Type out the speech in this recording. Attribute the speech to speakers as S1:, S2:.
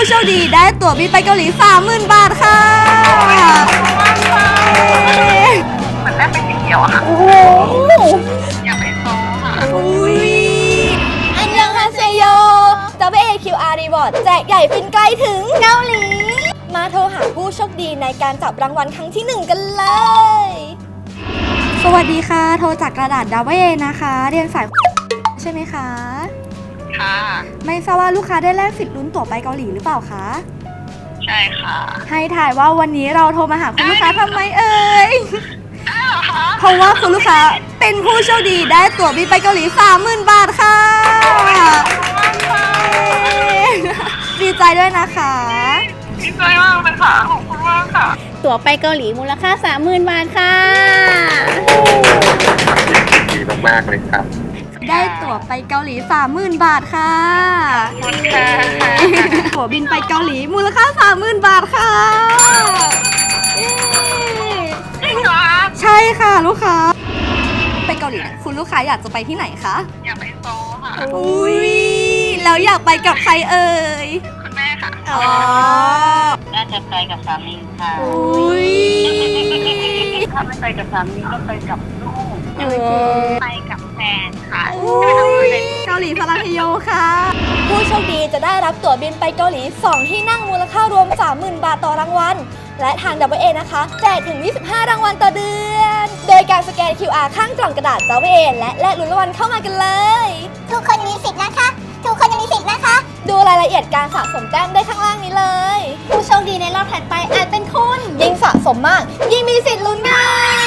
S1: โชคดีได้ตั๋วบินไปเกาหลี 30,000 บาทค่ะ
S2: เหมือนแรกเป็นสีเขียวอะค่ะ
S1: โอ้โห
S2: อยากไปโซค่ะ
S1: อุ้ยอันยังฮาเซโย WAQR Reward แจกใหญ่ฟินไกลถึงเกาหลี มาโทรหาผู้โชคดีในการจับรางวัลครั้งที่ 1 กันเลย สวัสดีค่ะ โทรจากกระดาษดาวเวนะคะ เรียนสายใช่ไหมคะ
S2: ค่ะ
S1: ไม่ทราบว่าลูกค้าได้แลกสิทธิ์ลุ้นตั๋วไปเกาหลีหรือเปล่าคะ
S2: ใช่ค่ะ
S1: ให้ถ่ายว่าวันนี้เราโทรมาหาคุณลูกค้าทำไมเอ่ย
S2: ได้เหรอคะ
S1: เพราะว่าคุณลูกค้าเป็นผู้โชคดีได้ตั๋วบินไปเกาหลี 30,000 บาทค่ะ ดีใจด้วยนะคะ
S2: ดีใจมากเลยค่ะขอบคุณมากค่ะ
S3: ตั๋วไปเกาหลีมูลค่า 30,000 บาทค่ะ
S4: ดีมากๆเลยครับ
S1: ได้ตั๋วไปเกาหลี 30,000 บาทค่ะ
S2: ขอบคุณค่ะ
S1: ตั๋วบินไปเกาหลีมูลค่า 30,000 บาทค่ะเย้
S2: จริงเหรอ
S1: ใช่ค่ะลูกค้า ไปเกาหลีเนี่ยคุณลูกค้าอยากจะไปที่ไหนคะ
S2: อยากไปโซค่ะ
S1: อุ้ยแล้วอยากไปกับใครเอ่ย
S2: คุณแม่ค่ะ
S1: อ๋อ
S2: น่าจะไปกับสามีค่ะ
S1: อุ้ย
S2: ถ้าไม่ไปกับสามีก็ไปกับลูก ไปกับแฟนค่ะ
S1: อุ้ยเกาหลีสลังเฮโยค่ะ ผู้โชคดีจะได้รับตั๋วบินไปเกาหลี 2 ที่นั่งมูลค่ารวม 30,000 บาทต่อรางวัล และทาง WA นะคะ แจกถึง 25 รางวัลต่อเดือน โดยการสแกน QR ข้างกล่องกระดาษ WA และแลกลุ้นรางวัลเข้ามากันเลย
S5: ทุกคนมีสิทธิ์นะคะ ทุกคนมีสิทธิ์นะคะ
S1: ดูรายละเอียดการสะสมแต้มได้ข้างล่างนี้เลย ผู้โชคดีในรอบถัดไปอาจเป็นคุณ ยิ่งสะสมมาก ยิ่งมีสิทธิ์ลุ้นง่าย